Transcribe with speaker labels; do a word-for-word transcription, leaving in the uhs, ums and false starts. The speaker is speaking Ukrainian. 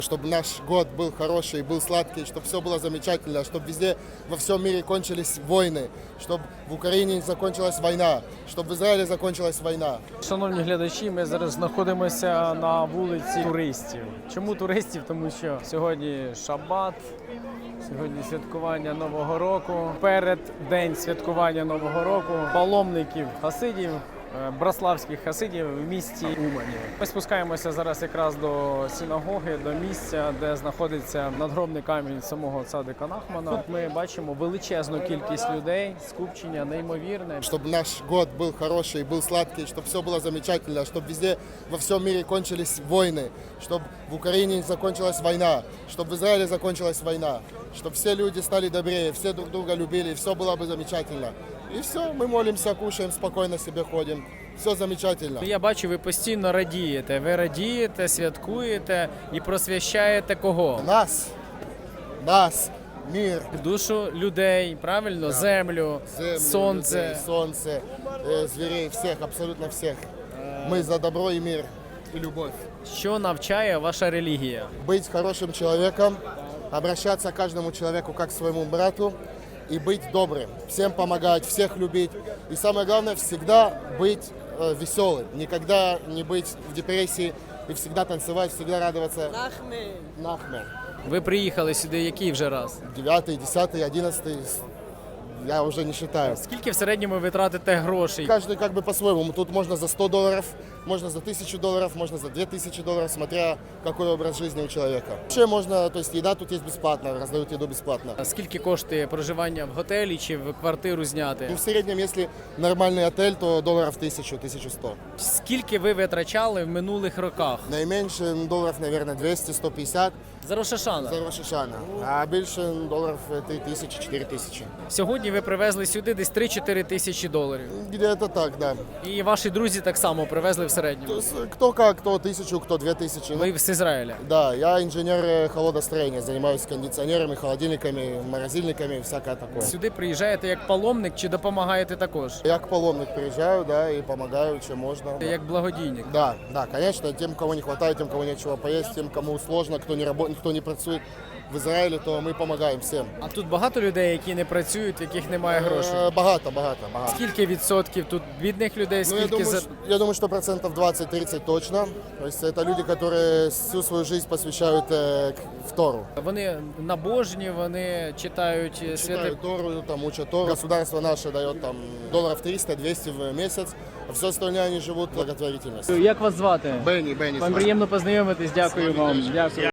Speaker 1: Чтобы наш год был хороший, был сладкий, чтобы все было замечательно, чтобы везде во всем мире кончились войны, чтобы в Україні закончилась війна, щоб в Ізраїлі закончилась війна.
Speaker 2: Шановні глядачі, ми зараз знаходимося на вулиці туристів. Чому туристів? Тому що сьогодні шабат, сьогодні святкування Нового року. Перед день святкування Нового року паломників хасидів, браславських хасидів в місті Умані. Ми спускаємося зараз якраз до синагоги, до місця, де знаходиться надгробний камінь самого цадика Нахмана. Тут ми бачимо величезну кількість людей, скупчення неймовірне.
Speaker 1: Чтобы наш год был хороший, был сладкий, чтобы все было замечательно, чтобы везде во всем мире кончились войны, чтобы в Украине закончилась война, чтобы в Израиле закончилась война, чтобы все люди стали добрее, все друг друга любили, все было бы замечательно. И все, мы молимся, кушаем, спокойно себе ходим. Все замечательно.
Speaker 2: Я бачу, ви постійно радієте. Ви радієте, святкуєте і просвящаєте кого?
Speaker 1: Нас, нас, мир,
Speaker 2: Душу людей, правильно? Землю,
Speaker 1: землю,
Speaker 2: сонце.
Speaker 1: людей, солнце, э, зверей, всех, абсолютно всех. Мы за добро и мир, и любовь.
Speaker 2: Що навчає ваша релігія?
Speaker 1: Быть хорошим человеком, обращаться к каждому человеку как к своему брату и быть добрым, всем помогать, всех любить. И самое главное, всегда быть э, веселым, никогда не быть в депрессии и всегда танцевать, всегда радоваться.
Speaker 3: Нахмей.
Speaker 1: Нахмер.
Speaker 2: Ви приїхали сюди який вже раз?
Speaker 1: Девятый, десятый, одиннадцатый, я уже не считаю.
Speaker 2: Скільки в середньому ви тратите грошей?
Speaker 1: Каждый как бы по-своему. Тут можно за сто долларов, можно за тысячу долларов, можно за две тысячи долларов, смотря какой образ жизни у человека. Вообще можно, то есть еда тут есть бесплатно, раздают еду бесплатно.
Speaker 2: Скільки коштує проживання в готелі чи в квартиру зняти?
Speaker 1: Ну, в среднем, если нормальный отель, то долларов тысячу, тысячу сто.
Speaker 2: Скільки ви витрачали в минулих роках?
Speaker 1: Наименьше долларов, наверное, двести, сто пятьдесят
Speaker 2: За Рошашана.
Speaker 1: за Рош ха-Шана. А больше долларов три тысячи, четыре тысячи.
Speaker 2: Сьогодні ви привезли сюди десь три-чотири тисячі доларів.
Speaker 1: Где-то так, да.
Speaker 2: І ваші друзі так само привезли в
Speaker 1: То
Speaker 2: середньому.
Speaker 1: есть, кто как, кто тысячу, кто две тысячи. Ну,
Speaker 2: Ви з Ізраїля.
Speaker 1: да, я инженер э, холодостроения, занимаюсь кондиционерами, холодильниками, морозильниками, всякое такое.
Speaker 2: Сюди приїжджаєте як паломник чи допомагаєте також?
Speaker 1: Я к паломник приезжаю, да, и помогаю, чем можно.
Speaker 2: Як благодійник.
Speaker 1: Да, да, конечно, тем, кого не хватает, тем, кого нечего поесть, тем, кому сложно, кто не работает, кто не працует в Израиле, то мы помогаем всем.
Speaker 2: А тут багато людей, які не працюють, в яких немає грошей.
Speaker 1: Э, Богато, богато, богато.
Speaker 2: Скільки відсотків тут бідних людей,
Speaker 1: Ну, я
Speaker 2: скільки
Speaker 1: думаю,
Speaker 2: за...
Speaker 1: что, я думаю, что процентов двадцать-тридцать точно. То есть это люди, которые всю свою жизнь посвящают э, к- в Тору.
Speaker 2: Вони набожні, вони читають святе.
Speaker 1: Читают Тору, там, учат Тору. Государство наше дает там долларов триста-двести в месяц, а все остальное они живут благотворительностью.
Speaker 2: Як вас звати?
Speaker 1: Бенни, Бенни.
Speaker 2: Вам приємно познайомитись, дякую вам. Дякую.